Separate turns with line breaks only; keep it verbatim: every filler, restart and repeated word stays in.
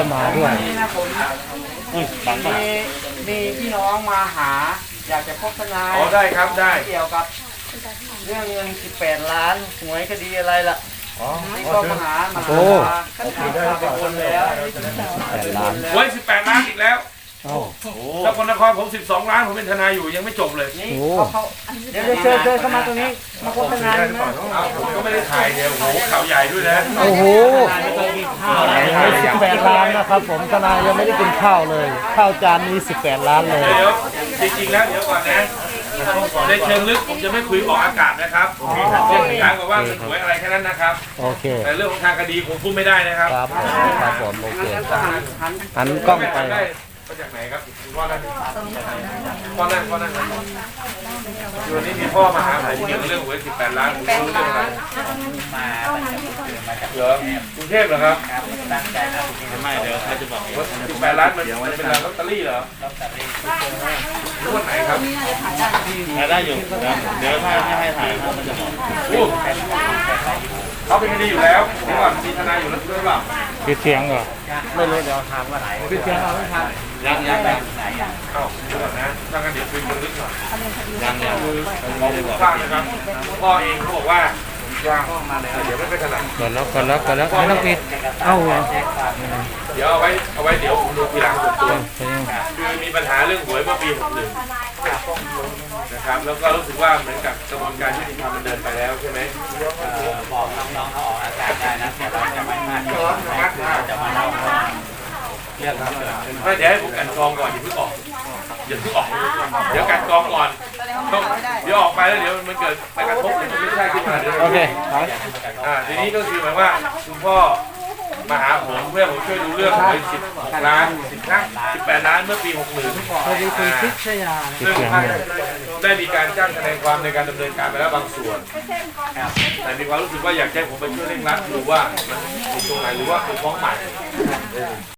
มาด้วย
นี่นะผมมีมีพี่น้องมาหา อยากจะพบทนาย
อ๋อได้ครับได้
เกี่ยวกับเรื่องเงินสิบแปดล้านหวยคดีอะไรล่ะ
อ๋อ
นี่ก็มาหามา
โอ้
หาขั้นตอนไปวนแล้ว
แปดล้าน
ไว้สิบแปดล้านอีกแล้ว
เอ้า
แล้วคนนครผมสิบสองล้านผมเป็นทนายอยู่ยังไม่จบเลย
นี่
โอ้
เขาเขาเดี๋ยวเชิญเชิญเข้ามาตรงนี้มาพบทนายนะ
เอาผมก็ไม่ได้ถ่ายเนี่ยโอ้โหข่าวใหญ่ด้วยนะ
โอ้โหสิบแปดล้านนะครับผมทนายยังไม่ได้กินข้าวเลยข้าวจานนี้สิบแปดล้านเลย
เดี๋ยวจริงๆแล้วเดี๋ยวก่อนนะในเชิงลึกผมจะไม่คุยออกอากาศนะครับเรื่องการกับว่าเงินหวยอะไรแค่นั้นนะครับ
โอเค
แต่เรื่องของทางคดีผมพูดไม่ได้นะครับ
ครับผมครับผมโอเค
งั้นก็หันหัน
หันกล้องไป
ได้มาจากไหนครับคุณพ่อนั่นพ่อนั่นพ่อนั่นอยู่วันนี้มีพ่อมาหาผมเกี่ยวกับเรื่องหวยสิบแปดล้านผมรู้เรื่องอะไรเหรอกรุงเทพเหรอครับไม่เดี๋ยวใครจะบอกว่าสิบแปดล้านมันเป็นลอตเตอรี่เหรอรู้วันไหนครับ
ถ่ายได้อยู่เดี๋ยวถ้าไม่ให้ถ่ายมันจะบอก
อู้เขาเป็นคดีอยู่แล้วเดี๋ยวก่อนมีทนายอยู่แล้วด้วยเปล่า
ปิดเสียงก่อน
ไม่รู้เดี๋ยวถามว่าไหน
ปิดเสียงเอาไม่ทัน
ยังยังยัง
เอ้าเดี๋ยวก่อนนะถ้างั้นเดี๋ยวคุยกันลึกหน่อย
ยังยัง
คือของผมฟังนะครับพ่อเองเขาบอกว่าว่าเดี๋ยวไม่เป็นขนาด
ก่อนแล้วก่อนแล้วก่อนแล้วไม่ต้องปิดเอ้าเหรอ
เดี๋ยวเอาไว้เอาไว้เดี๋ยวผมดูทีหลังส่วนตัวคือมีปัญหาเรื่องหวยเมื่อปีหกหนึ่งนะครับแล้วก็รู้สึกว่าเหมือนกับกระบวนการยุติธรรมมันเดินไปแล้วใช่ไหม
บอกน้องๆเขาออกอากาศได้นะแต่เราจะไม่พลาดจะมาเล่าเรื่องเกิดขึ้น
ไม่เดี๋ยวให้ผมกันกรองก่อนอย่าเพิ่งออกอย่าเพิ่งออกเดี๋ยวกันกรองก่อนต้องเดี๋ยวออกไปแล้วเดี๋ยวมันเกิดไปกระทบมันไม่ใช่ขึ้นมาเดี๋ยว
โอเค
อ่าทีนี้ก็คือหมายว่าคุณพ่อมาหาผมเพื่อผมช่วยดูเรื่องหวยสิบล้านสิบล้านสิบแปดล้านเมื่อปีหกหนึ่ง
พอดีคุณพิชยา
ซึ่งได้มีการจ้างทนายความในการดำเนินการไปแล้วบางส่วน แต่มีความรู้สึกว่าอยากให้ผมไปช่วยเร่งรัดดูว่ามันติดตรงไหนหรือว่าเป็นฟ้องใหม่